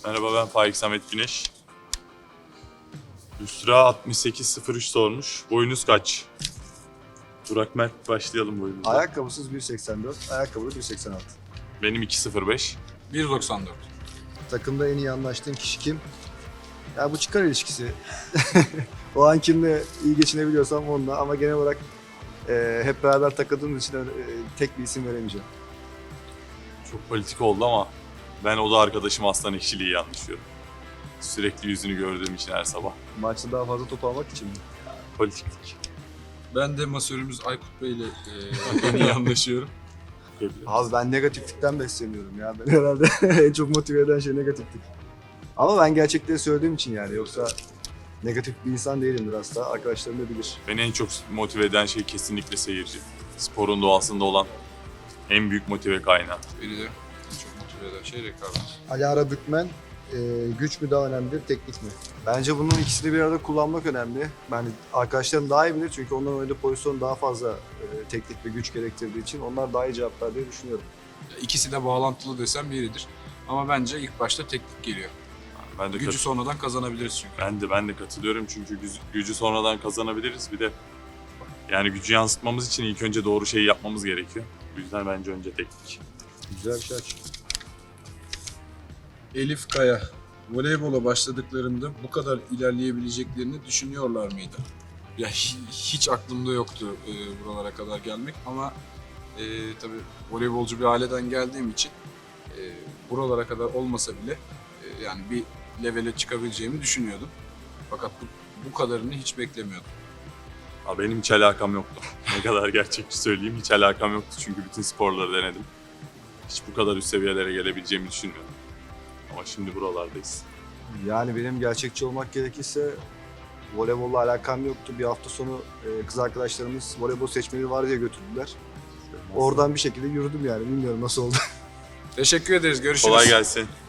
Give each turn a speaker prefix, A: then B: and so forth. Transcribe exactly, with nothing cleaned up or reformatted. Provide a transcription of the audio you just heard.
A: Merhaba, ben Faik Samet Güneş. Üsra altmış sekiz sıfır üç sormuş. Boyunuz kaç? Burak Mert, başlayalım boyunuzda.
B: Ayakkabısız bir seksen dört, ayakkabılı bir seksen altı.
A: Benim iki sıfır beş.
C: bir doksan dört.
B: Takımda en iyi anlaştığın kişi kim? Ya bu çıkar ilişkisi. O an kimle iyi geçinebiliyorsam onunla, ama genel olarak e, hep beraber takıldığımız için öyle, e, tek bir isim veremeyeceğim.
A: Çok politik oldu ama ben o da arkadaşım Aslan Ekşili iyi anlaşıyorum. Sürekli yüzünü gördüğüm için her sabah.
B: Maçta daha fazla top almak için mi?
A: Politiklik.
C: Ben de masörümüz Aykut Bey ile e, en iyi anlaşıyorum.
B: Abi ben negatiflikten besleniyorum ya. Ben herhalde en çok motive eden şey negatiflik. Ama ben gerçekleri söylediğim için yani. Yoksa negatif bir insan değilimdir asla. Arkadaşlarım da bilir.
A: Beni en çok motive eden şey kesinlikle seyirci. Sporun doğasında olan en büyük motive kaynağı.
C: Beni de en çok motive eden şey rekabet.
B: Alara Bükmen, e, güç mü daha önemli, teknik mi? Bence bunun ikisini bir arada kullanmak önemli. Yani arkadaşlarım daha iyi bilir çünkü onların oynadığı pozisyon daha fazla e, teknik ve güç gerektirdiği için onlar daha iyi cevaplar diye düşünüyorum.
C: İkisi de bağlantılı desem biridir. Ama bence ilk başta teknik geliyor.
A: Ben de
C: Gücü
A: kat-
C: sonradan kazanabiliriz çünkü.
A: Ben de ben de katılıyorum çünkü gücü, gücü sonradan kazanabiliriz. Bir de yani gücü yansıtmamız için ilk önce doğru şeyi yapmamız gerekiyor. Bu yüzden bence önce teknik.
B: Güzel bir şey aç.
C: Elif Kaya, voleybola başladıklarında bu kadar ilerleyebileceklerini düşünüyorlar mıydı? Ya hi- hiç aklımda yoktu e, buralara kadar gelmek ama e, tabii voleybolcu bir aileden geldiğim için e, buralara kadar olmasa bile e, yani bir levele çıkabileceğimi düşünüyordum. Fakat bu, bu kadarını hiç beklemiyordum.
A: Ha, benim hiç alakam yoktu. Ne kadar gerçekçi söyleyeyim, hiç alakam yoktu çünkü bütün sporları denedim. Hiç bu kadar üst seviyelere gelebileceğimi düşünmüyordum. Ama şimdi buralardayız.
B: Yani benim gerçekçi olmak gerekirse voleybolla alakam yoktu. Bir hafta sonu e, kız arkadaşlarımız voleybol seçmeli var diye götürdüler. Oradan bir şekilde yürüdüm yani. Bilmiyorum nasıl oldu.
C: Teşekkür ederiz. Görüşürüz.
A: Kolay gelsin.